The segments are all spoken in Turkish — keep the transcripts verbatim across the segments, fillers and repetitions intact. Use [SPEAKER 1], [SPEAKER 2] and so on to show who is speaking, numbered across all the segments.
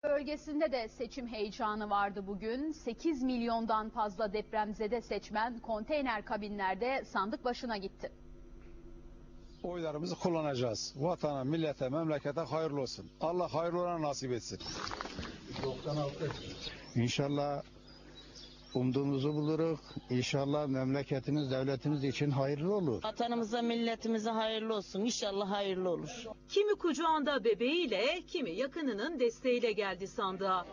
[SPEAKER 1] Bölgesinde de seçim heyecanı vardı bugün. sekiz milyondan fazla depremzede seçmen konteyner kabinlerde sandık başına gitti.
[SPEAKER 2] Oylarımızı kullanacağız. Vatana, millete, memlekete hayırlı olsun. Allah hayırlı olana nasip etsin. doksan altı. İnşallah umduğumuzu buluruz. İnşallah memleketimiz, devletimiz için hayırlı olur.
[SPEAKER 3] Vatanımıza, milletimize hayırlı olsun. İnşallah hayırlı olur.
[SPEAKER 4] Kimi kucağında bebeğiyle, kimi yakınının desteğiyle geldi sandığa.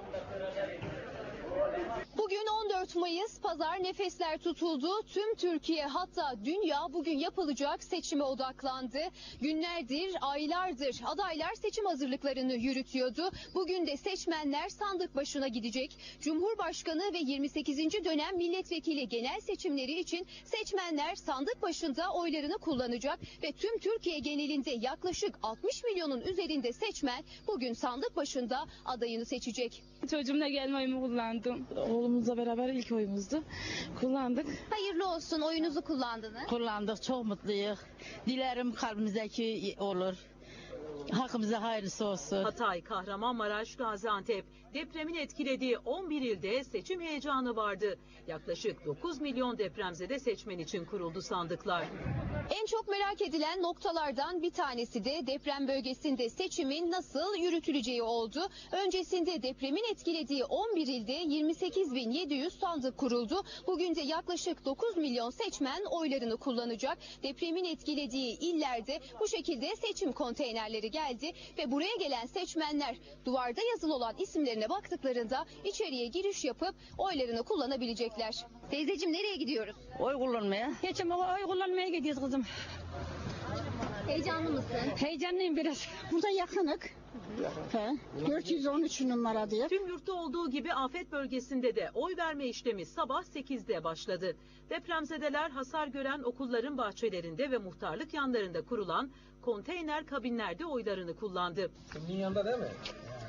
[SPEAKER 5] Bugün on dört Mayıs, pazar, nefesler tutuldu. Tüm Türkiye, hatta dünya bugün yapılacak seçime odaklandı. Günlerdir, aylardır adaylar seçim hazırlıklarını yürütüyordu. Bugün de seçmenler sandık başına gidecek. Cumhurbaşkanı ve yirmi sekizinci dönem milletvekili genel seçimleri için seçmenler sandık başında oylarını kullanacak ve tüm Türkiye genelinde yaklaşık altmış milyonun üzerinde seçmen bugün sandık başında adayını seçecek.
[SPEAKER 6] Çocuğumla gelme oyumu kullandım. Oğlumuzla beraber ilk oyumuzdu. Kullandık.
[SPEAKER 5] Hayırlı olsun, oyunuzu kullandınız.
[SPEAKER 3] Kullandık, çok mutluyuz. Dilerim kalbimizdeki olur. Hakkımıza hayırlısı olsun.
[SPEAKER 4] Hatay, Kahramanmaraş, Gaziantep depremin etkilediği on bir ilde seçim heyecanı vardı. Yaklaşık dokuz milyon depremzede seçmen için kuruldu sandıklar.
[SPEAKER 5] En çok merak edilen noktalardan bir tanesi de deprem bölgesinde seçimin nasıl yürütüleceği oldu. Öncesinde depremin etkilediği on bir ilde yirmi sekiz bin yedi yüz sandık kuruldu. Bugün de yaklaşık dokuz milyon seçmen oylarını kullanacak. Depremin etkilediği illerde bu şekilde seçim konteynerleri geldi ve buraya gelen seçmenler duvarda yazılı olan isimlerine baktıklarında içeriye giriş yapıp oylarını kullanabilecekler. Teyzeciğim, nereye gidiyoruz?
[SPEAKER 3] Oy kullanmaya.
[SPEAKER 6] Geçen oy kullanmaya gidiyoruz kızım.
[SPEAKER 5] Heyecanlı mısın?
[SPEAKER 6] Heyecanlıyım biraz.
[SPEAKER 7] Burada yakınık. He. dört yüz on üç numara diye.
[SPEAKER 4] Tüm yurtta olduğu gibi afet bölgesinde de oy verme işlemi sabah sekizde başladı. Depremzedeler hasar gören okulların bahçelerinde ve muhtarlık yanlarında kurulan konteyner kabinlerde oylarını kullandı.
[SPEAKER 8] Kimin yanında değil mi?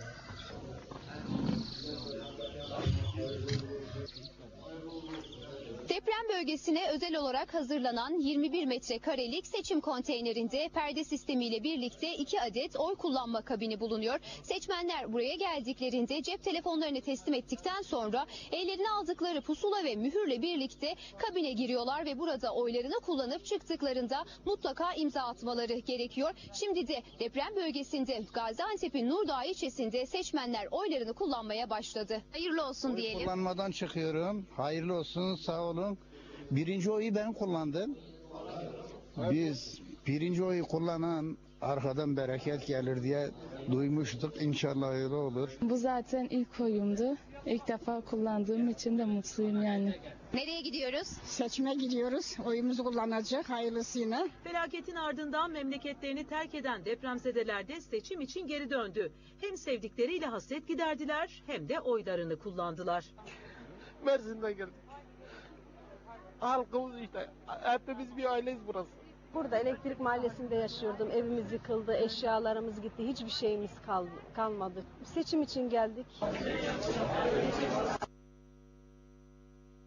[SPEAKER 5] Deprem bölgesine özel olarak hazırlanan yirmi bir metrekarelik seçim konteynerinde perde sistemiyle birlikte iki adet oy kullanma kabini bulunuyor. Seçmenler buraya geldiklerinde cep telefonlarını teslim ettikten sonra ellerine aldıkları pusula ve mühürle birlikte kabine giriyorlar ve burada oylarını kullanıp çıktıklarında mutlaka imza atmaları gerekiyor. Şimdi de deprem bölgesinde Gaziantep'in Nurdağ ilçesinde seçmenler oylarını kullanmaya başladı. Hayırlı olsun diyelim.
[SPEAKER 2] Oy kullanmadan çıkıyorum. Hayırlı olsun, sağ olun. Birinci oyu ben kullandım. Biz birinci oyu kullanan arkadan bereket gelir diye duymuştuk. İnşallah öyle olur.
[SPEAKER 6] Bu zaten ilk oyumdu. İlk defa kullandığım için de mutluyum yani.
[SPEAKER 5] Nereye gidiyoruz?
[SPEAKER 7] Seçime gidiyoruz. Oyumuzu kullanacak hayırlısıyla.
[SPEAKER 4] Felaketin ardından memleketlerini terk eden depremzedeler de seçim için geri döndü. Hem sevdikleriyle hasret giderdiler hem de oylarını kullandılar.
[SPEAKER 8] Mersin'den geldik. Halkımız işte. Hepimiz bir aileyiz burası.
[SPEAKER 9] Burada Elektrik Mahallesi'nde yaşıyordum. Evimiz yıkıldı, eşyalarımız gitti. Hiçbir şeyimiz kalmadı. Seçim için geldik.